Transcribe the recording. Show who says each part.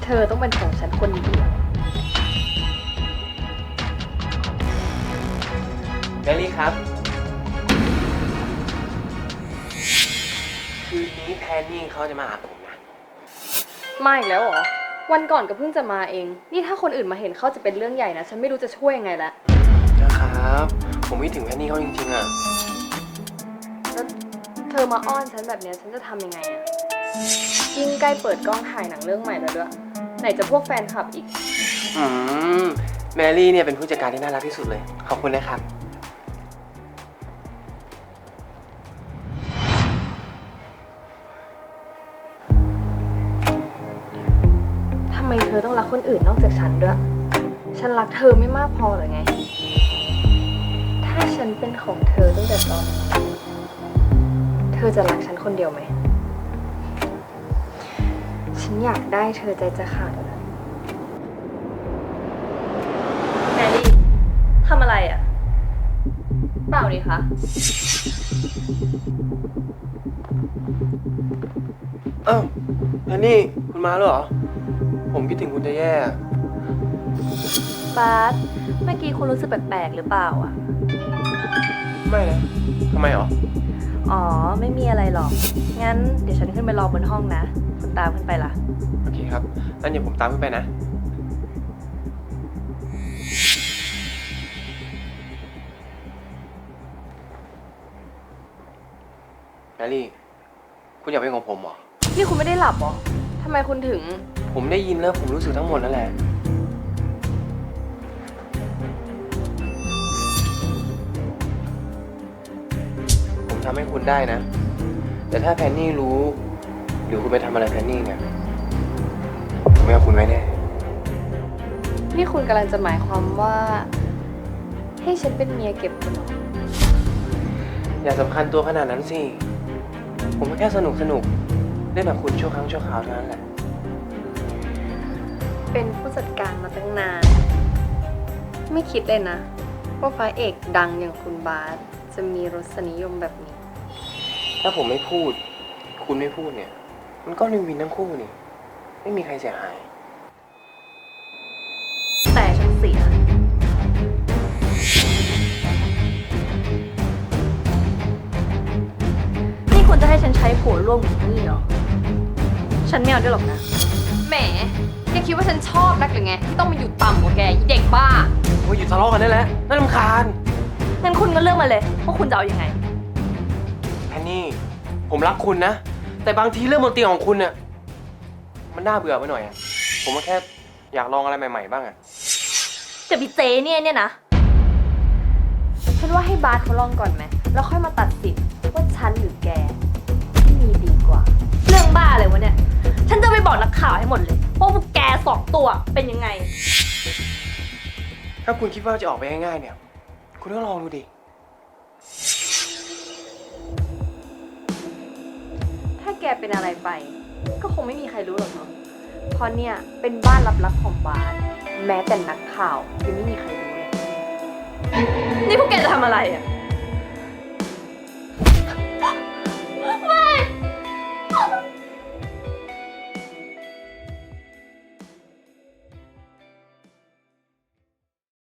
Speaker 1: เธอต้องเป็นของฉันคนเดียว
Speaker 2: เบลลี่ครับคืนนี้แพนนี่เขาจะมาหาผมนะ
Speaker 1: มาอีกแล้วเหรอวันก่อนก็เพิ่งจะมาเองนี่ถ้าคนอื่นมาเห็นเขาจะเป็นเรื่องใหญ่นะฉันไม่รู้จะช่วยยังไงละ
Speaker 2: นะครับผมไม่ถึงแพนนี่เขาจริงๆอ่ะ
Speaker 1: แล้วเธอมาอ้อนฉันแบบเนี้ยฉันจะทำยังไงอะยิ่งใกล้เปิดกล้องถ่ายหนังเรื่องใหม่แล้วด้วยไหนจะพวกแฟนคลับอีก
Speaker 2: แมรี่เนี่ยเป็นผู้จัดการที่น่ารักที่สุดเลยขอบคุณนะครับ
Speaker 1: ทำไมเธอต้องรักคนอื่นนอกจากฉันด้วยฉันรักเธอไม่มากพอหรือไงถ้าฉันเป็นของเธอตั้งแต่ตอนนี้เธอจะรักฉันคนเดียวไหมฉันอยากได้เธอใจจะขาดแล้วแมรี่ทำอะไรอ่ะเปล่าดิคะ
Speaker 2: อ้าวแพนนี่คุณมาแล้วเหรอผมคิดถึงคุณจะแย่
Speaker 3: บาสเมื่อกี้คุณรู้สึกแปลกๆหรือเปล่าอ่ะ
Speaker 2: ไม่นะทำไมหรอ
Speaker 3: อ๋อ ไม่มีอะไรหรอก งั้นเดี๋ยวฉันขึ้นไปรอบนห้องนะ คุณตามขึ้นไปล่ะ
Speaker 2: โอเคครับงั้นเดี๋ยวผมตามขึ้นไปนะแมรี่คุณอยากเป็นของผมเหรอ
Speaker 1: นี่คุณไม่ได้หลับเหรอทำไมคุณถึง
Speaker 2: ผมได้ยินแล้วผมรู้สึกทั้งหมดนั่นแหละผมทำให้คุณได้นะแต่ถ้าแพนนี่รู้หรือคุณไปทำอะไรแพนนี่เนี่ยผมไม่เอาคุณไว้แน่
Speaker 1: นี่คุณกำลังจะหมายความว่าให้ฉันเป็นเมียเก็บคุณเหรอ
Speaker 2: อย่าสำคัญตัวขนาดนั้นสิผมแค่สนุกเล่นกับคุณชั่วครั้งชั่วคราวเท่านั้นแหละ
Speaker 1: เป็นผู้จัดการมาตั้งนานไม่คิดเลยนะว่าพระเอกดังอย่างคุณบาสจะมีรสนิยมแบบนี้
Speaker 2: ถ้าผมไม่พูดคุณไม่พูดเนี่ยมันก็วินทั้งคู่นี่ไม่มีใครเสียหาย
Speaker 3: แต่ฉันเสีย นี่คุณจะให้ฉันใช้ผัวร่วมกับนี่เหรอ ฉันไม่เอาด้วยหรอกนะ
Speaker 1: แหมแกคิดว่าฉันชอบนักหรือไงที่ต้องมาอยู่ต่ำกว่าแกอีเด็กบ้า
Speaker 2: โอ้ยหยุดทะเลาะกันได้แล้วน่ารำคาญ
Speaker 3: งั้นคุณก็เลือกมาเลยว่าคุณจะเอายังไง
Speaker 2: แพนนี่ผมรักคุณนะแต่บางทีเรื่องบนเตียงของคุณเนี่ยมันน่าเบื่อไปหน่อยอะผมก็แค่อยากลองอะไรใหม่ๆบ้างอะ
Speaker 3: กับพี่เจเนี่ยนะ
Speaker 1: ฉันว่าให้บาสเขาลองก่อนไหมแล้วค่อยมาตัดสินว่าฉันหรือแกที่มีดีกว่า
Speaker 3: เรื่องบ้าเลยวะเนี่ย ฉันจะไปบอกนักข่าวให้หมดเลยว่าพวกแกสองตัวเป็นยังไง
Speaker 2: ถ้าคุณคิดว่าจะออกไปง่ายๆเนี่ยคุณก็ลองดูดิ
Speaker 1: ถ้าแกเป็นอะไรไปก็คงไม่มีใครรู้หรอกเนาะเพราะเนี่ยเป็นบ้านลับๆของบาสแม้แต่นักข่าวยังไม่มีใครรู้เลย
Speaker 3: นี่พวกแกจะทำอะไรอ่ะ